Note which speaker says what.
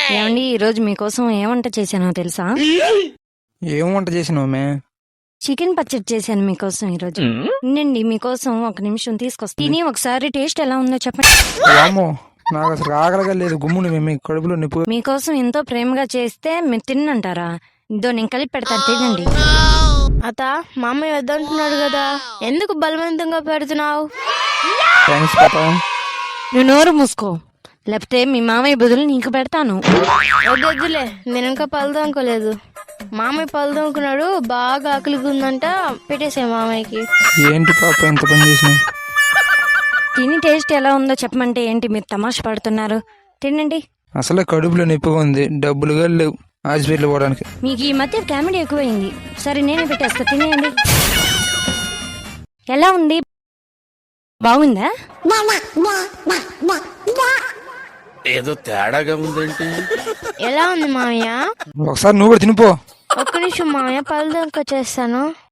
Speaker 1: ఏమండి ఈ రోజు మీకోసం ఏ వంట చేశానో తెలుసా?
Speaker 2: ఏం వంట చేసినావు?
Speaker 1: చికెన్ పచ్చడి చేశాను మీకోసం ఈరోజు. వినండి, మీకోసం ఒక నిమిషం తీసుకొస్తా. తిని ఒకసారి టేస్ట్ ఎలా ఉందో చెప్పండి.
Speaker 2: వామ్మో, నాకు అసలు ఆకలిగా లేదు. గుమ్ముని మేము కడుపులో నిప్పు.
Speaker 1: మీకోసం ఎంతో ప్రేమగా చేస్తే మీరు తిన్నంటారా? ఇదో నేను కలిపి పెడతాను, తినండి.
Speaker 3: అత మామయ్య వద్దంటున్నాడు కదా, ఎందుకు బలవంతంగా పెడుతున్నావు?
Speaker 2: థ్యాంక్స్ పాప.
Speaker 1: నువ్వు నోరు మూసుకో, లేకపోతే మీ మామయ్య బదులు నీకు పెడతాను.
Speaker 3: వద్దులే, నేను ఇంకా పళ్ళు తోముకోలేదు. మామయ్య పళ్ళు తోముకున్నాడు, బాగా ఆకలిగా ఉందంట, పెట్టేసే మామయ్యకి.
Speaker 2: ఏంటి పాప ఎంత పని చేసినావు?
Speaker 1: తిని టేస్ట్ ఎలా ఉందో చెప్పమంటే ఏంటి మీరు తమాషా పడుతున్నారు? తినండి.
Speaker 2: అసలే కడుపులో నొప్పిగా ఉంది, డబ్బులుగా లేవు హాస్పిటల్ పోవడానికి.
Speaker 1: మీకు ఈ మధ్య కామెడీ ఎక్కువైంది. సరే నేనే పెట్టేస్తా, తినేయండి. ఎలా ఉంది? బాగుందా?
Speaker 4: ఏదో తేడాగా ఉందేంటి?
Speaker 3: ఎలా ఉంది మామయ్య?
Speaker 2: ఒకసారి నువ్వు కూడా తినిపో.
Speaker 3: ఒక్క నిమిషం మామయ్య, పళ్ళు తోముకొచ్చేస్తాను.